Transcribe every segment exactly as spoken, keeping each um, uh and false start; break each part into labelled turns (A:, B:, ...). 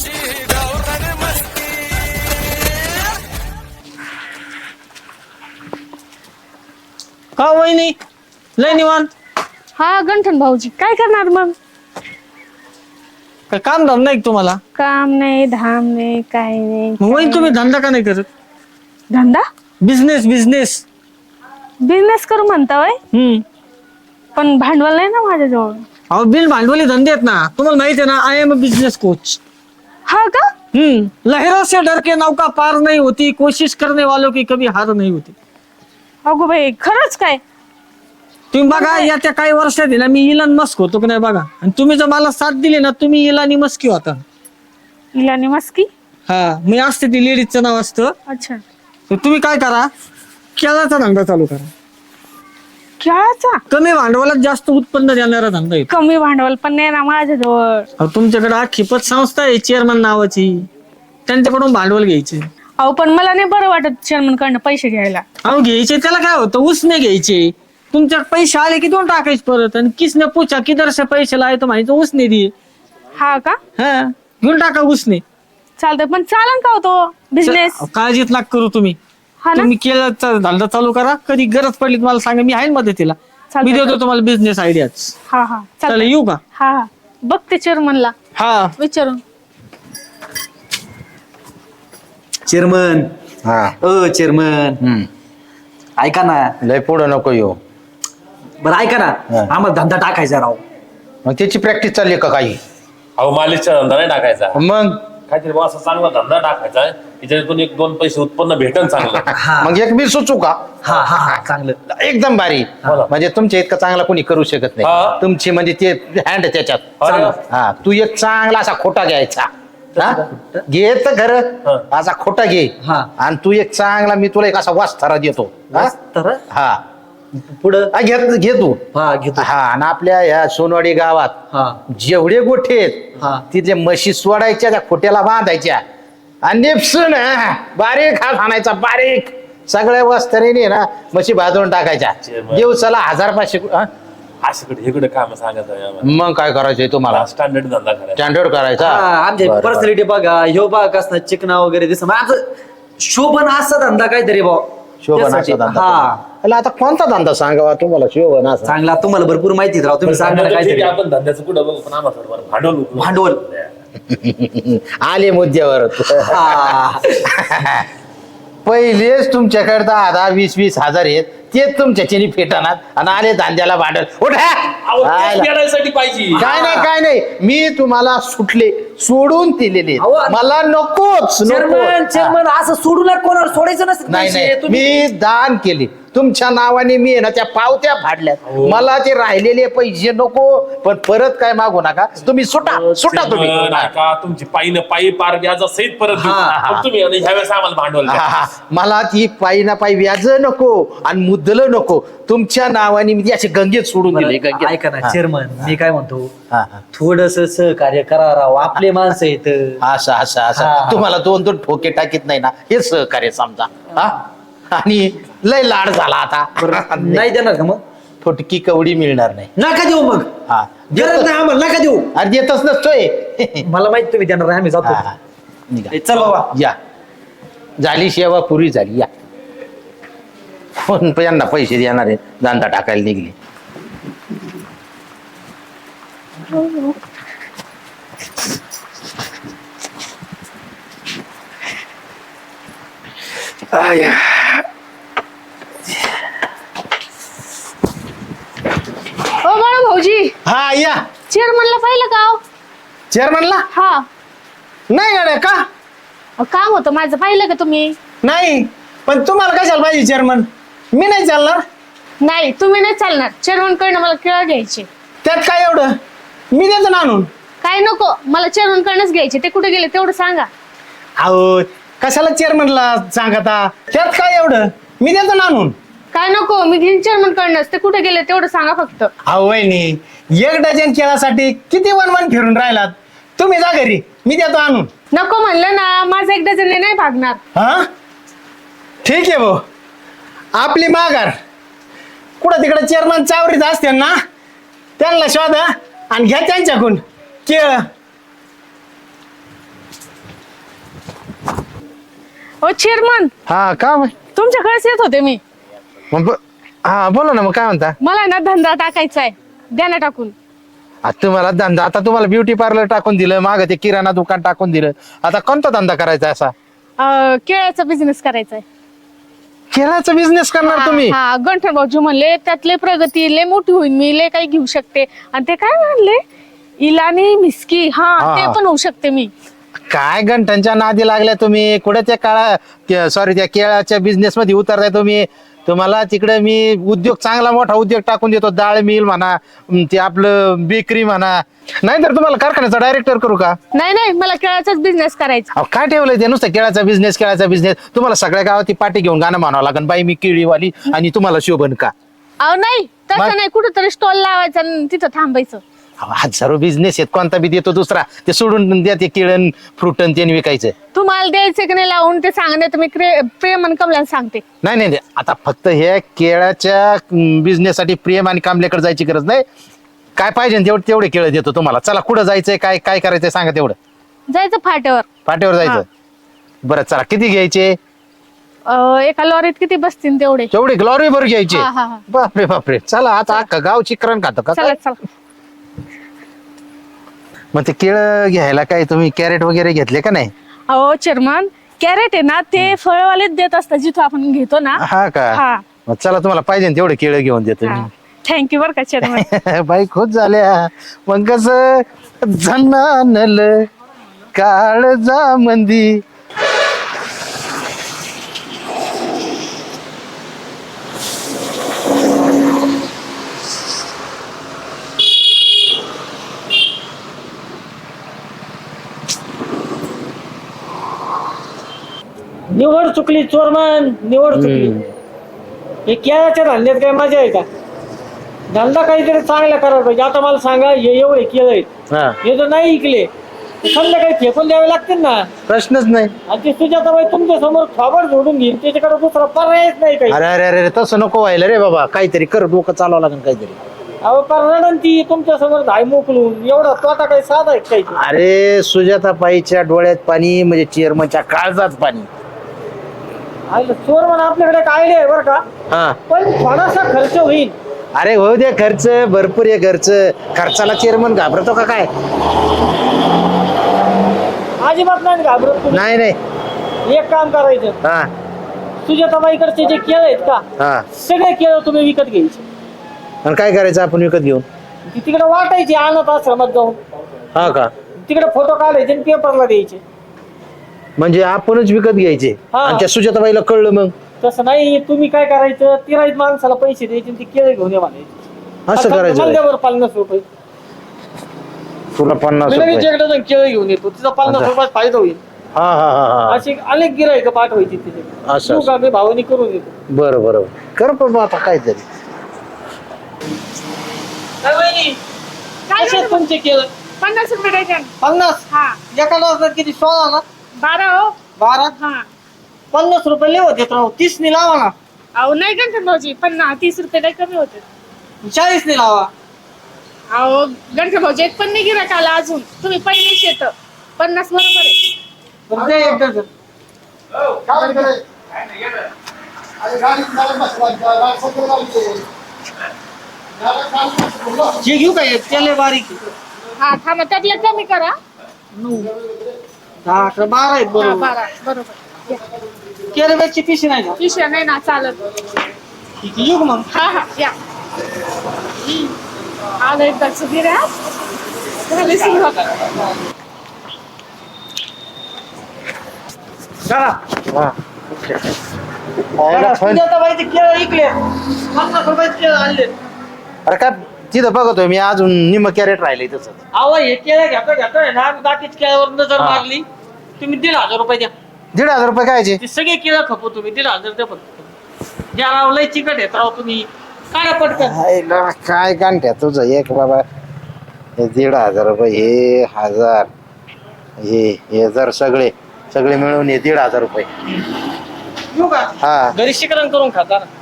A: का वहिनी लय निवांत?
B: हा गंठन भाऊजी काय करणार मग?
A: काय काम धाम नाही का तुम्हाला?
B: काम नाही धाम नाही काय नाही.
A: मग वहिनी तुम्ही धंदा का नाही करत?
B: धंदा
A: बिझनेस बिझनेस
B: बिझनेस करू म्हणता वय,
A: हम्म
B: पण भांडवल नाही ना माझ्याजवळ.
A: अहो बिन भांडवली धंदे आहेत ना, तुम्हाला माहिती आहे ना, I am a business coach.
B: हा का?
A: हम्म लहरों से डर के नौका पार नहीं होती, कोशिश करने वालों की कभी हार नहीं होती.
B: अगो बाई खरंच काय?
A: तुम्ही बघा या त्या काही वर्षात आहे ना, मी इलन मस्क होतो की नाही बघा, आणि तुम्ही जर मला साथ दिली ना, तुम्ही इलानी मस्की होता.
B: इलानी मस्की?
A: हा मी असते ती लेडीजचं नाव असतं.
B: अच्छा.
A: तर तुम्ही काय करा, केळाचा धंदा चालू करा.
B: खेळाचा?
A: कमी भांडवलात जास्त उत्पन्न देणारा धंदा आहे.
B: कमी भांडवल पण नाही ना माझ्याजवळ.
A: अहो, तुमच्याकडे अख्खी पतसंस्था आहे चेअरमन नावाची, त्यांच्याकडून भांडवल घ्यायचे.
B: अहो पण मला नाही बरं वाटत चेअरमन कडनं पैसे घ्यायला.
A: अहो घ्यायचे त्याला काय होतं, उसने घ्यायचे. तुमच्या पैसे आले की दोन टाकायचे परत, आणि किसने पूछा किधर से पैसे लाए तो माहिती उसने दिए.
B: हा का?
A: हा घेऊन टाका उसने.
B: चालतंय पण चालन का होतो बिझनेस?
A: अहो, काळजीत लाग करू तुम्ही.
B: हा ना
A: तुम्ही केळाचा धंदा चालू करा, कधी गरज पडली तुम्हाला सांगा, मी आहे ना मदतीला.
B: चालतंय.
A: मी देतो तुम्हाला बिझनेस आयडियाच.
B: हा हा
A: चला
B: चालतंय.
A: येऊ का?
B: हा हा बघते चेअरमनला
A: हा
B: विचारून.
C: चेअरमन
D: हा
C: अ चेअरमन
D: हम्म
C: ऐका ना.
D: लय पुढं नको येऊ.
C: बरं ऐका ना,
D: हा.
C: आम्हाला धंदा टाकायचा राव.
D: मग त्याची प्रॅक्टिस चालली का काही?
E: अहो मालिशचा धंदा नाही टाकायचा,
D: मग
E: काहीतरी बुवा असा चांगला धंदा टाकायचा आहे त्याच्यातून एक दोन पैसे उत्पन्न भेटन चांगलं.
C: हा
D: मग एक मी सुचू का?
C: हा हा हा चांगलं.
D: एकदम भारी.
E: बोला.
D: म्हणजे तुमच्या इतका चांगला कोणी करू शकत
E: हा.
D: नाही. तुमची म्हणजे ते हँड त्याच्यात.
E: अरे वा.
D: हा तू एक चांगला असा खोटा घ्यायचा. हा? घे तर खरं
E: हा.
D: असा खोटा घे.
C: हा.
D: आणि तू एक चांगला, मी तुला एक असा वास्तारा देतो. हा?
C: तर
D: हा
C: पुढं
D: हा, घे घे तू.
C: हा घेतो.
D: हा आणि आपल्या ह्या सोनवाडी गावात
C: हा
D: जेवढे गोठे आहेत
C: हा.
D: तिथे म्हशी सोडायच्या, त्या खोट्याला बांधायच्या आणि नेपसून हा, बारीक हात आणायचा, बारीक सगळ्या वस्त्रीने ना म्हशी भाजून टाकायच्या.
E: जेवण.
D: दिवसाला हजार पाचशे. हा?
E: अशाकडे इकडे काम सांगायचं आहे आम्हाला.
D: मग काय करायचंय तुम्हाला?
E: स्टँडर्ड धंदा करायचा.
D: स्टँडर्ड करायचा.
C: आमच्या
D: बरं, बरं.
C: पर्सनॅलिटी बघा, ह्यो बघा कसं चिकना वगैरे दिसत. मग आमचं शोभन असा धंदा काहीतरी भाऊ.
D: शोभन
C: त्यासाठी.
D: असा धंदा.
C: हा
D: अला, आता कोणता धंदा सांगावा तुम्हाला शोभन असा?
C: चांगला. तुम्हाला भरपूर माहिती आहे राव, तुम्ही सांगा ना
E: ठीक
C: काहीतरी.
E: आहे, आपण धंद्याचं कुठं बघू, पण आम्हाला थोडंफार भांडवल उकळू.
C: भांडवल.
D: आले मुद्द्यावर.
C: हा.
D: पहिलेच तुमच्याकडे दहा दहा वीस वीस हजार आहेत, तेच तुमच्या चिनी फेटणार आणि आले धांद्याला भांडल. उठा.
E: अहो, तेच
D: आयला.
E: फेडायसाठी पाहिजे.
D: काय नाही काय नाही, मी तुम्हाला सुटले, सोडून दिलेले.
C: अहो,
D: मला नकोच
C: चेअरमन
D: नको.
C: चेअरमन असं सोडू नका, कोणाला सोडायचं नसतं.
D: नाही
C: पैसे
D: नाही,
C: तुम्ही-
D: मी दान केले तुमच्या नावाने. मी आहे ना त्या पावत्या फाडल्यात. मला ते राहिलेले पैसे नको, पण परत काय मागू नका. तुम्ही सुटा सुटा तुम्ही.
E: चेअरमन, ऐका, तुमची पायी न पायी पार व्याजा सहित परत देऊ.
C: हा, हा.
E: पण तुम्ही आणि ह्यावेळेस आम्हाला भांडवल द्या.
D: हा, हा. मला ती पायी ना पायी व्याज नको आणि मुद्दल नको. तुमच्या नावाने मी ती असे गंगेत सोडून दिले.
C: बरं,
D: गंगेत.
C: ऐका ना चेअरमन, मी काय म्हणतो,
D: हा, हा.
C: थोडस सहकार्य करा राव, आपले माणसं आहेत.
D: असं असं
C: हा,
D: असं
C: हा.
D: तुम्हाला दोन दोन ठोके टाकीत नाही ना, हे सहकार्य समजा. हा आणि लय लाड झाला आता.
C: नाही देणार का मग?
D: फुटकी कवडी मिळणार नाही.
C: नका देऊ मग.
D: हा
C: गरज नाही आम्हाला, नका देऊ.
D: अरे देतच नसतोय.
C: मला माहित तुम्ही देणार नाही, आम्ही जातो.
D: हा, हा. निघा.
C: ए, चल बाबा.
D: या झाली सेवा पुरी झाली. या कोण यांना पैसे देणार आहे, धंदा टाकायला निघले. आया.
B: ओ बाळा भाऊजी,
D: हा या
B: चेअरमनला पाहिलं का हो?
D: चेअरमनला
B: हा
D: नाही गाड्या का?
B: अहो, काम होतं माझं, पाहिलं का तुम्ही?
A: नाही पण तुम्हाला कशाला पाहिजे चेअरमन? मी नाही चालणार.
B: नाही तुम्ही नाही चालणार. चेअरमन कडनं मला केळं घ्यायचे.
A: त्यात काय एवढं, मी देतो ना आणून.
B: काय नको, मला चेअरमन कडनंच घ्यायचे. ते कुठे गेले तेवढं सांगा.
A: अहो कशाला चेअरमनला सांगता, त्यात काय एवढं, मी देतो ना आणून.
B: काय नको, मी घेईन चेअरमन कडनंच. ते कुठे गेले तेवढं सांगा फक्त.
A: अहो वहिनी, एक डझन केळासाठी किती वन वन फिरून राहिलात. तुम्ही जा घरी, मी देतो आणून.
B: नको म्हणलं ना, माझं एक डझन नाही भागणार.
A: हा ठीक आहे भाऊ, आपली माघार. कुठं तिकडे चेअरमन चावरीत असते ना, त्यांना शोधा आणि घ्या त्यांच्याकडून केळ.
B: ओ चेअरमन,
D: हा का मग
B: तुमच्याकडेच येत होते मी.
D: मग ब- हा बोला ना, मग काय म्हणता?
B: मला ना धंदा टाकायचा आहे, द्या ना टाकून.
D: आता तुम्हाला धंदा, आता तुम्हाला ब्युटी पार्लर टाकून दिलं, माग ते किराणा दुकान टाकून दिलं, आता कोणता धंदा करायचा असा?
B: अं, केळ्याचा बिझनेस करायचा आहे.
D: केळाचा बिझनेस करणार तुम्ही?
B: हा, गंठन भाऊजी म्हणले त्यातले प्रगती लय मोठी होईल, मी लय काही घेऊ शकते. आणि ते काय म्हणले, इलानी मिस्की, हा
D: हा,
B: ते
D: हा.
B: पण होऊ शकते मी.
D: काय घंटांच्या नादी लागल्या तुम्ही? कुठे त्या काळा सॉरी त्या केळाच्या बिझनेस मध्ये उतरताय तुम्ही? तुम्हाला तिकडे मी उद्योग, चांगला मोठा उद्योग टाकून देतो, डाळ मिल म्हणा, अं, ते आपलं बेकरी म्हणा, नाही तर तुम्हाला कारखान्याचा डायरेक्टर करू का?
B: नाही नाही, मला केळाचाच बिझनेस करायचा.
D: अहो, काय ठेवलंय ते नुसतं केळाचा बिझनेस, केळाचा बिझनेस? तुम्हाला सगळ्या गावात ती पाठी घेऊन गाणं म्हणावं लागेल, बाई मी केळीवाली आणि तुम्हाला शोभन का?
B: अहो नाही,
D: मग?
B: तसं नाही, कुठेतरी स्टॉल लावायचा आणि तिथं थांबायचं.
D: अहो, हजारो बिझनेस आहेत, कोणता बी देतो दुसरा, ते सोडून द्या ते केळन फ्रुटन ते विकायचं.
B: तुम्हाला द्यायचं की नाही लावून ते सांगणे, तर मी क्रे- प्रेम आणि कमला सांगते.
D: नाही नाही नाही. आता फक्त हे केळाच्या बिझनेस साठी प्रेम आणि कामल्याकडे जायची गरज नाही. काय पाहिजे तेवढे तेवढे केळ देतो तुम्हाला. चला, कुठं जायचंय, काय काय करायचंय सांगा तेवढं.
B: जायचं फाट्यावर.
D: पाट्यावर जायचं? बरं चला, किती घ्यायचे?
B: अं, एका लॉरीत किती बसतील तेवढे.
D: तेवढे ग्लॉरी भर घ्यायचे?
B: हा, हा, हा.
D: बापरे बापरे. चला, आता अख्खा गाव चिकरण खातो का?
B: चला चला.
D: मग ते केळ घ्यायला काय तुम्ही कॅरेट वगैरे घेतले का नाही?
B: अहो चेअरमन, कॅरेट आहे ना ते फळवालेच देत असतात जिथं आपण घेतो ना.
D: हा का?
B: हा.
D: मग चला, तुम्हाला पाहिजे ना तेवढे केळ घेऊन देतो मी.
B: थँक्यू बरं का चेअरमन.
D: बाई खुश झाल्या. मग कस झन्नानल काळजा मंदी.
A: निवड चुकली चोरमन, निवड चुकली. हे केळाच्या धंद्यात काय मजा आहे का? धंदा काहीतरी चांगला करायला पाहिजे. आता मला सांगा, हे एवढे केळ आहेत,
D: हा,
A: हे जर नाही इकले तर संध्याकाळी फेकून द्यावे लागतील ना.
D: प्रश्नच नाही.
A: आणि ते सुजाताबाई तुमच्या समोर थोबड जोडून घेईल, त्याच्याकडे दुसरा पर्यायच नाही काही.
D: अरे अरे अरे तसं नको व्हायला रे बाबा. काहीतरी कर, डोकं चालवावं लागेल काहीतरी.
A: अहो कारण ती तुमच्या समोर धाय मोकलून एवढा तोटा काही साधा आहे काही.
D: अरे सुजाताबाईच्या डोळ्यात पाणी म्हणजे चेअरमनच्या काळजात पाणी.
A: चोर म्हणून आपल्याकडे एक आयडिया आहे बरं का,
D: हा,
A: पण थोडासा खर्च होईल.
D: अरे होऊ दे खर्च, भरपूर आहे खर्च. खर्चाला चेअरमन घाबरतो का काय?
A: अजिबात नाही घाबरत तुम्ही.
D: नाही नाही.
A: एक काम करायचं,
D: हा
A: सुजाताबाईकडचे जे केळ आहेत का,
D: हा.
A: सगळे केळ तुम्ही विकत घ्यायचे.
D: आणि काय करायचं आपण विकत घेऊन?
A: ती तिकडे वाटायची अनाथ आश्रमात जाऊन.
D: हा का?
A: तिकडे फोटो काढायचे आणि पेपरला द्यायचे.
D: म्हणजे आपणच विकत घ्यायचे?
A: हा.
D: आणि त्या सुजाताबाईला कळलं मग?
A: तसं नाही, तुम्ही काय करायचं, तिराईत माणसाला पैसे द्यायचे आणि ती केळ घेऊन ये म्हणायचे.
D: असं करायचं?
A: मला पन्नास रुपये
D: तुला पन्नास
A: मी
D: रुपये?
A: लगेच एकदा जाऊन केळ घेऊन येतो, तिचा पन्नास
D: अच्छा.
A: रुपयात फायदा होईल.
D: हा हा हा हा.
A: अशी अनेक गिरायक पाठवायची तिथे.
D: असं.
A: तू का मी भावानी करून येतो.
D: बरं बरं, कर पण आता काहीतरी.
A: काय वहिनी,
B: काय
A: कसे
B: झालं?
A: तुमचे केळ?
B: पन्नास रुपये डझन.
A: पन्नास?
B: हा.
A: एका डझनात किती? सोळा ना?
B: बारा हो.
A: बारा?
B: हा.
A: पन्नास रुपये लेवत येत राहू. तीस नि लावा ना.
B: अहो नाही गंठन भाऊजी, पन्नास तीस रुपये लय कमी होते.
A: चाळीस नि लावा.
B: अहो गंठन भाऊजी, एक पण नाही गिराक आला अजून, तुम्ही पहिलेच येत. पन्नास बरोबर आहे.
A: बरं दे एक डझन. जे घेऊ काय त्याला बारीक आहे.
B: हा थांबा, त्यातले कमी करा.
A: नऊ दहा अकरा बारा आहेत
B: हा,
A: बरोबर.
B: बारा बरोबर.
A: केरळची पिशी नाही का?
B: पिशव्या नाही ना चालत.
A: ठीक आहे, येऊ का मग?
B: हा हा या. आलं एकदाच गिऱ्हाईक. झाली सुरुवात.
A: चला.
D: हा.
A: चला, सुजाताबाईचे केळ इकले, पन्नास रुपयाचे केळ आणले.
D: अरे काय तिथं बघतोय मी, अजून निम कॅरेट राहिले तसं.
A: अहो हे केळ घेतो घेतोय ना, बाकीच केळ्यावर नजर
D: हा.
A: मारली. तुम्ही दीड हजार रुपये द्या.
D: दीड हजार रुपये कायचे?
A: ते सगळे केळं खपू तुम्ही, दीड हजार द्या फक्त. ज्या राव लय चिकट येत राव तुम्ही, काय पटकन.
D: हायला, काय गांठ्या तुझं एक बाबा. हे दीड हजार रुपये, हे हजार, हे हे जर सगळे सगळे मिळून हे दीड हजार रुपये.
A: येऊ का?
D: हा.
A: घरी शिकरण करून खाता ना.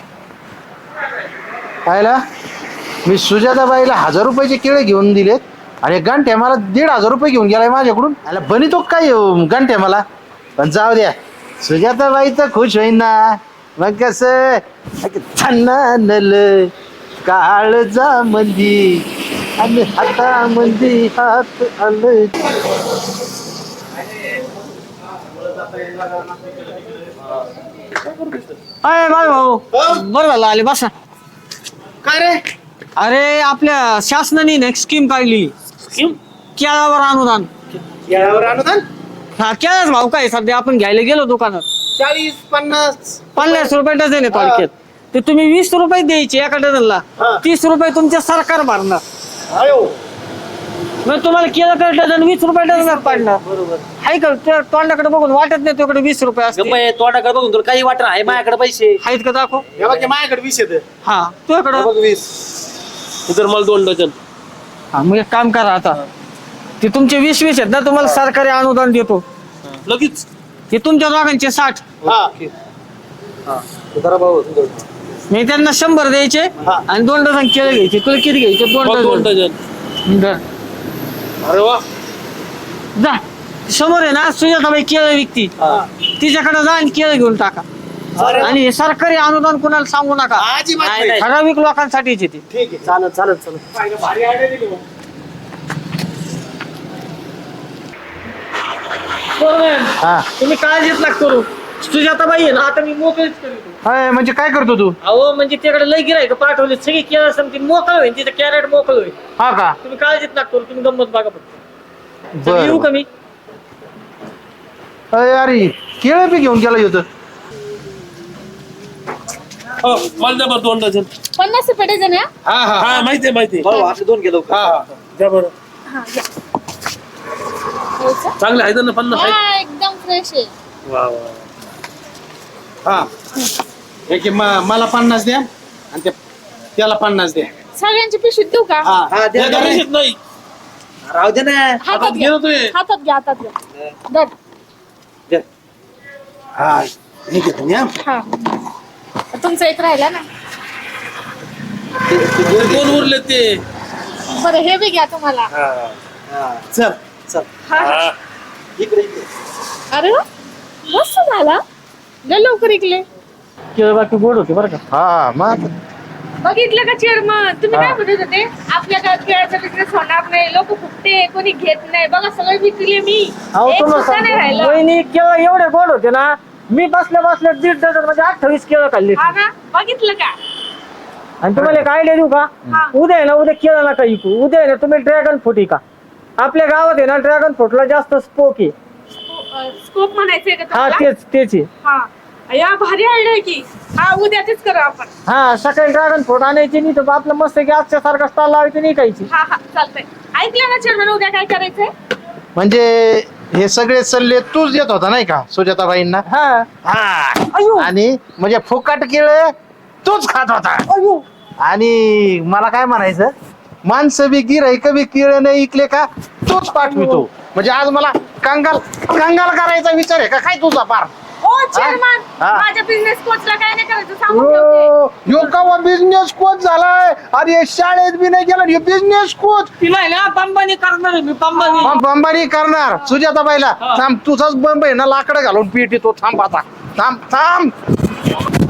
D: पाहिला, मी सुजाताबाईला हजार रुपयाचे केळे घेऊन दिलेत अरे गंठ्या मला दीड हजार रुपये घेऊन गेलाय माझ्याकडून. अरे बनितो काय गंठ्या मला. पण जाऊ द्या, सुजाताबाई तर खुश होईन ना. मग कस नल काळजा मंदी आणि हाता मंदी हात आलं.
A: अय बाय भाऊ बरं झालं आले बसा.
D: काय रे?
A: अरे आपल्या शासनाने ना एक स्कीम काढली.
E: स्कीम
A: केळावर अनुदान.
D: यावर अनुदान
A: हा केळाच भाव काय सध्या आपण घ्यायला गेलो दुकानात
D: चाळीस पन्नास
A: पन्नास रुपये डझन आहे थोडक्यात. ते तुम्ही वीस रुपये द्यायचे एका डझनला. तीस रुपये तुमच्या सरकार भरणार. मग तुम्हाला केलं तर डझन वीस रुपये डझन पडणार. बरोबर आहे का? त्या तोंडाकडे बघून वाटत नाही तुझ्याकडे वीस रुपये असते.
C: तोंडाकडे बघून तुला काही वाटत आहे माझ्याकडे पैसे
A: आहेत का दाखव.
D: माझ्याकडे वीस येत.
A: हा तुझ्याकडं
D: वीस.
E: तर मला दोन डझन.
A: हा मग एक काम करा आता. ते तुमचे वीस वीस आहेत ना तुम्हाला सरकारी अनुदान देतो
E: लगेच
A: ते तुमच्या दोघांचे साठ. मी त्यांना शंभर द्यायचे आणि दोन डझन केळे घ्यायचे. तुला किती घ्यायचे? दोन
E: मग दोन
A: डझन.
E: डझन.
A: बरं.
E: अरे वा.
A: जा समोर आहे ना सुजाताबाई केळं विकती. तिच्याकडे जा आणि केळं घेऊन टाका. आणि हे सरकारी अनुदान कुणाला सांगू नका.
C: नाही, नाही.
A: ठराविक लोकांसाठीच येते.
D: ठीक आहे.
C: चालत चालत चालत
D: हा
A: तुम्ही काळजीच नका करू. सुजाताबाई आहे ना आता मी मोकळीच करतो.
D: अय, म्हणजे काय करतो तू?
A: अहो म्हणजे तिकडे लय गिरायक पाठवले सगळी केळं समती मोकळ होईल. तिचं कॅरेट मोकळ होईल.
D: हा का?
A: तुम्ही काळजीच नका करू. तुम्ही गंमत बघा फक्त.
D: बरं.
A: येऊ का मी?
D: अरे अरे केळं बी घेऊन गेला होतं.
E: हो, मला द्या बरं दोन डझन.
B: पन्नास रुपये डझन आहे हा?
D: हा हा
E: हा माहिती आहे माहिती आहे.
C: भाऊ आपले दोन गेलो
D: हा हा.
E: द्या बरं.
B: हा, घ्या. हो का?
E: चांगले आहेत ना पन्नास आहेत.
B: हा, एकदम फ्रेश आहे.
E: वा वा.
D: हा एक म- मला पन्नास द्या आणि त्या- त्याला पन्नास द्या.
B: सगळ्यांची पिशवीत देऊ का?
D: हा
C: हा द्या
E: द्या
C: द्या.
E: पैसेच नाही.
C: राहू दे ना
B: हातात
E: घे
B: घ्या
E: ना तू हे.
B: हातात घ्या हातात घ्या धर.
C: द्या.
D: हा हे घेतो मी, हा.
B: हा तुमचा एक राहिला ना.
E: ते दोन उरले ते.
B: बरं हे बी घ्या तुम्हाला.
C: हा,
D: चल
C: चल
B: हा हा.
E: हा.
C: इकडे इकडे.
B: अरे वा मस्त झाला. लय लवकर इकले.
A: केळं बाकी गोड होते बरं का.
D: हा मग
B: बघितलं का चेअरमन तुम्ही
D: हा.
B: काय म्हणत होते आपल्या गावात केळाचा बिझनेस होणार नाही. लोक फुकते कोणी घेत नाही. बघा सगळे विकले मी.
A: अहो
B: एक
A: तुम्हाला
B: सुद्धा नाही
A: सांगतो,
B: राहिलं.
A: वहिनी केळं एवढे गोड होते ना. मी बसल्या बसल्या दीड डझन म्हणजे अठ्ठावीस केळं खाल्ली.
B: हा ना बघितलं का?
A: आणि तुम्हाला एक आयडिया देऊ का?
B: हा.
A: उद्या आहे ना उद्या केळं नका विकू. उद्या आहे ना तुम्ही ड्रॅगन फ्रूट का. आपल्या गावात आहे ना ड्रॅगन फ्रूटला जास्त स्पोक आहे.
B: स्कोप म्हणायचंय का
A: हा
B: तुम्हाला?
A: तेच तेच आहे.
B: हा या भारी आयडिया की. हा उद्या तेच करू आपण.
A: हा सकाळी ड्रॅगन फ्रूट आणायची नाही तर आपलं मस्त गॅसच्या सारखा स्टॉल लावायची नाही खायची.
B: हा हा चालतंय. ऐकलं ना चेअरमन उद्या काय करायचंय?
D: म्हणजे हे सगळे सल्ले तूच देत होता नाही का सुजाताबाईंना?
A: हा
D: हा
A: अयो
D: आणि म्हणजे फुकट केळं तूच खात होता.
A: अयो
D: आणि मला काय म्हणायचं, माणसं बी गिराईक बी केळं नाही इकले का तूच पाठवितो. म्हणजे आज मला कंगाल कंगाल करायचा विचार आहे का काय तुझा पार?
B: ओ चेअरमन
D: हा.
B: माझ्या बिझनेस कोचला काय नाही करायचं सांगून ठेवते.
D: यो यो कवा बिझनेस कोच झालाय. अरे शाळेत बी नाही गेला बिझनेस कोच.
A: तिला आहे ना पंबानी करणार आहे मी पंबानी.
D: बंबारी करणार सुजाताबाईला. थांब तुझाच बंब आहे ना लाकडं घालून पीठ येतो. थांब आता थांब थांब